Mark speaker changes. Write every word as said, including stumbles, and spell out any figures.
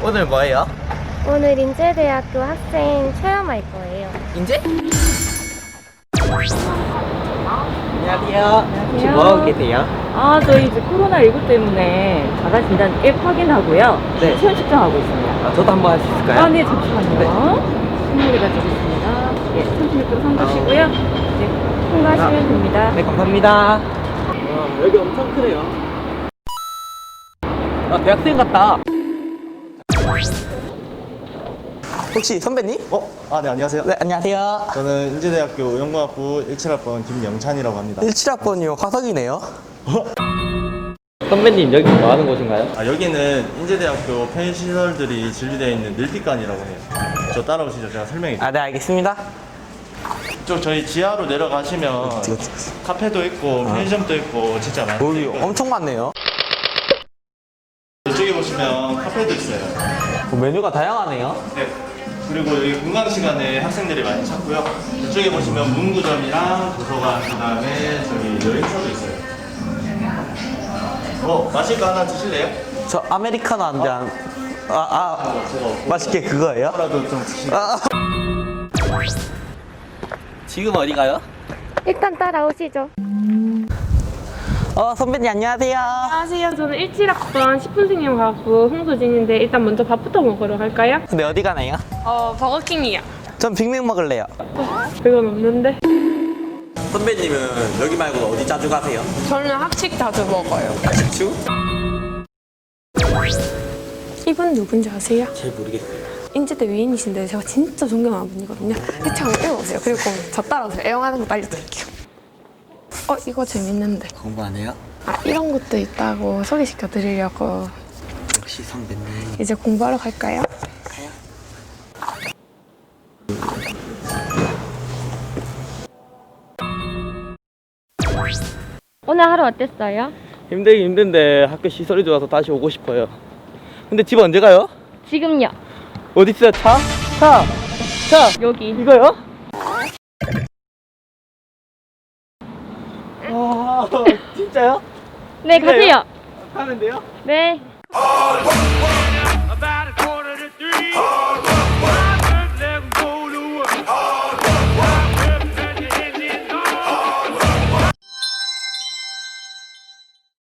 Speaker 1: 오늘 뭐예요?
Speaker 2: 오늘 인제대학교 학생 체험할 거예요.
Speaker 1: 인제? 안녕하세요. 혹시 뭐 하고 계세요?
Speaker 3: 아, 저희 이제 코로나십구 때문에 자가 진단 앱 확인하고요.
Speaker 1: 네.
Speaker 3: 체온 측정하고 있습니다.
Speaker 1: 아, 저도 한번 할 수 있을까요?
Speaker 3: 아, 네, 잠시만요. 신문을 가지고 있습니다. 예, 삼십육 도로 삼가시고요. 네, 통과하시면
Speaker 1: 아.
Speaker 3: 됩니다.
Speaker 1: 네, 감사합니다. 와, 여기 엄청 크네요. 아, 대학생 같다. 혹시 선배님?
Speaker 4: 어? 아, 네, 안녕하세요.
Speaker 1: 네, 안녕하세요.
Speaker 4: 저는 인제대학교 영문학부 일칠 학번 김영찬이라고 합니다.
Speaker 1: 일칠 학번이요. 화석이네요. 선배님, 여기 뭐 하는 곳인가요?
Speaker 4: 아, 여기는 인제대학교 펜시설들이 진리되어 있는 늘빛관이라고 해요. 저 따라오시죠. 제가 설명해 드릴게요.
Speaker 1: 아, 네, 알겠습니다.
Speaker 4: 쪽 저희 지하로 내려가시면 카페도 있고 편의점도 있고 진짜 많아요.
Speaker 1: 여기 엄청 많네요.
Speaker 4: 이쪽에 보시면 카페도 있어요.
Speaker 1: 뭐 메뉴가 다양하네요.
Speaker 4: 네. 그리고 여기 공강 시간에 학생들이 많이 찾고요. 이쪽에 보시면 문구점이랑 도서관, 그 다음에 저기 여행사도 있어요. 어, 마실 거 하나 드실래요?
Speaker 1: 저 아메리카노 한 잔. 아, 아,
Speaker 4: 저거
Speaker 1: 맛있게 그거예요?
Speaker 4: 라도 좀 드시고.
Speaker 1: 아. 지금 어디 가요?
Speaker 2: 일단 따라오시죠.
Speaker 1: 어, 선배님 안녕하세요.
Speaker 5: 안녕하세요. 저는 일칠 학번 식품생명과학부 홍소진인데 일단 먼저 밥부터 먹으러 갈까요?
Speaker 1: 근데 어디 가나요?
Speaker 5: 어, 버거킹이요.
Speaker 1: 전 빅맥 먹을래요.
Speaker 5: 그건 없는데.
Speaker 1: 선배님은 여기 말고 어디 자주 가세요?
Speaker 5: 저는 학식 자주 먹어요.
Speaker 1: 식추?
Speaker 5: 이분 누군지 아세요?
Speaker 1: 잘 모르겠어요.
Speaker 5: 인제대 위인이신데 제가 진짜 존경하는 분이거든요. 이차 한번 읽어보세요. 그리고 저 따라오세요. 애용하는 것도 알려드릴게요. 어, 이거 재밌는데.
Speaker 1: 공부 안 해요?
Speaker 5: 아, 이런 것도 있다고 소개시켜 드리려고.
Speaker 1: 역시 선배님.
Speaker 5: 이제 공부하러 갈까요?
Speaker 2: 오늘 하루 어땠어요?
Speaker 1: 힘들긴 힘든데 학교 시설이 좋아서 다시 오고 싶어요. 근데 집 언제 가요?
Speaker 2: 지금요.
Speaker 1: 어디 있어요? 차? 차! 차!
Speaker 2: 여기.
Speaker 1: 이거요? 아, 진짜요?
Speaker 2: 네, 가세요.
Speaker 1: 가면 돼요?
Speaker 2: 네.